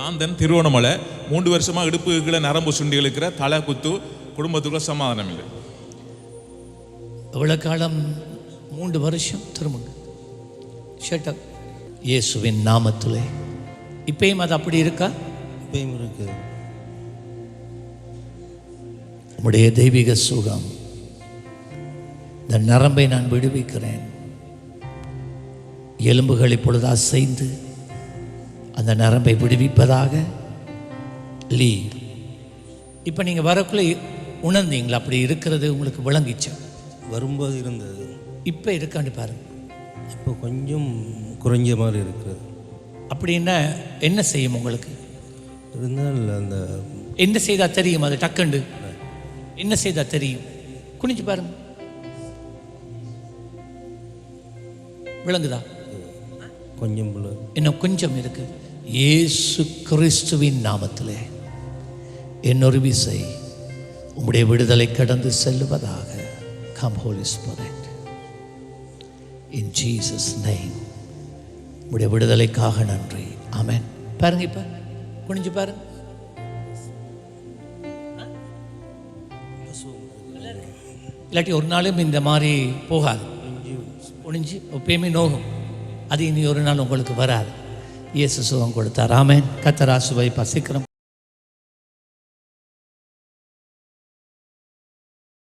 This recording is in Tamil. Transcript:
ஆந்தன் திருவண்ணாமலை 3 வருஷமாக இடுப்புகளை நரம்பு சுண்டி இழுக்கிற தலை குத்து, குடும்பத்துக்குள்ள சமாதானம் இல்லை. எவ்வளோ காலம்? 3 வருஷம். திரும்புங்க. Shut up. இயேசுவின் நாமத்திலே இப்பயும் அது அப்படி இருக்கா? இப்பயும் இருக்கு. உம்முடைய தெய்வீக சுகம், இந்த நரம்பை நான் விடுவிக்கிறேன். எலும்புகள் இப்பொழுது அசைந்து அந்த நரம்பை விடுவிப்பதாக. லீவ். இப்போ நீங்கள் வரக்குள்ளே உணர்ந்தீங்களா? அப்படி இருக்கிறது உங்களுக்கு விளங்கிச்சா? வரும்போது இருந்தது. இப்போ இருக்கான்னு பாருங்க. இப்போ கொஞ்சம் குறைஞ்ச மாதிரி இருக்குது. அப்படின்னா என்ன செய்யும் உங்களுக்கு? இருந்தால் அந்த என்ன செய்தால் தெரியும்? அது டக்குண்டு என்ன செய்தால் தெரியும்? குனிஞ்சு பாருங்க. விளங்குதா? கொஞ்சம் இன்னும் கொஞ்சம் இருக்கு. இயேசு கிறிஸ்துவின் நாமத்திலே இன்னொரு விசை உம்முடைய விடுதலை கடந்து செல்லுவதாக. Come holy spirit, in Jesus name. உம்முடைய விடுதலைக்காக நன்றி. ஆமென். பாருங்க, இப்ப குனிஞ்சு பாருங்க. இல்லாட்டி ஒரு நாளும் இந்த மாதிரி போகாது. குனிஞ்சு எப்பயுமே நோகும். அது இனி ஒரு நாள் உங்களுக்கு வராது. இயேசு சுகம் கொடுத்தார். ஆமென். கர்த்தர் ஆசீர்வதிப்பார். சீக்கிரம்